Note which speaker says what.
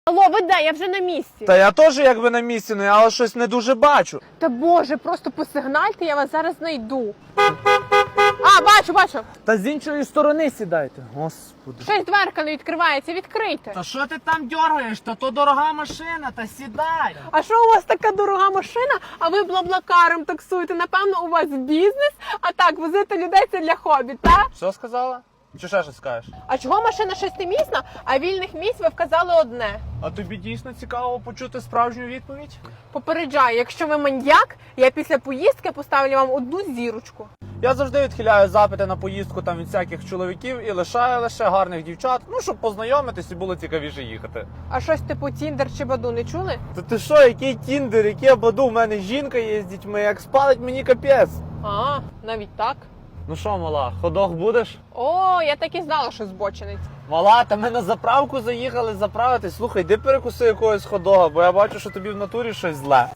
Speaker 1: Алло, ви де? Я вже на місці.
Speaker 2: Та я теж якби на місці, але щось не дуже бачу.
Speaker 1: Та боже, просто посигнальте, я вас зараз знайду. Бачу.
Speaker 2: Та з іншої сторони сідайте. Господи.
Speaker 1: Щось дверка не відкривається, відкрийте.
Speaker 2: Та що ти там дергаєш? Та то дорога машина, та сідай.
Speaker 1: А що у вас така дорога машина, а ви блаблакаром таксуєте? Напевно, у вас бізнес, а так, возити людей це для хобі, так?
Speaker 2: Що сказала? Чи ще щось скажеш?
Speaker 1: А чого машина шестимісна, а вільних місць ви вказали одне?
Speaker 2: А тобі дійсно цікаво почути справжню відповідь?
Speaker 1: Попереджаю, якщо ви маньяк, я після поїздки поставлю вам одну зірочку.
Speaker 2: Я завжди відхиляю запити на поїздку там від всяких чоловіків і лишаю лише гарних дівчат, щоб познайомитись і було цікавіше їхати.
Speaker 1: А щось типу Тіндер чи Баду не чули?
Speaker 2: Та ти що, який тіндер, яке баду, в мене жінка є з дітьми, як спалить мені капець.
Speaker 1: Навіть так.
Speaker 2: Ну що, мала, ходох будеш?
Speaker 1: О, я так і знала, що збочинець.
Speaker 2: Мала, та ми на заправку заїхали заправитись. Слухай, йди перекуси якогось ходога, бо я бачу, що тобі в натурі щось зле.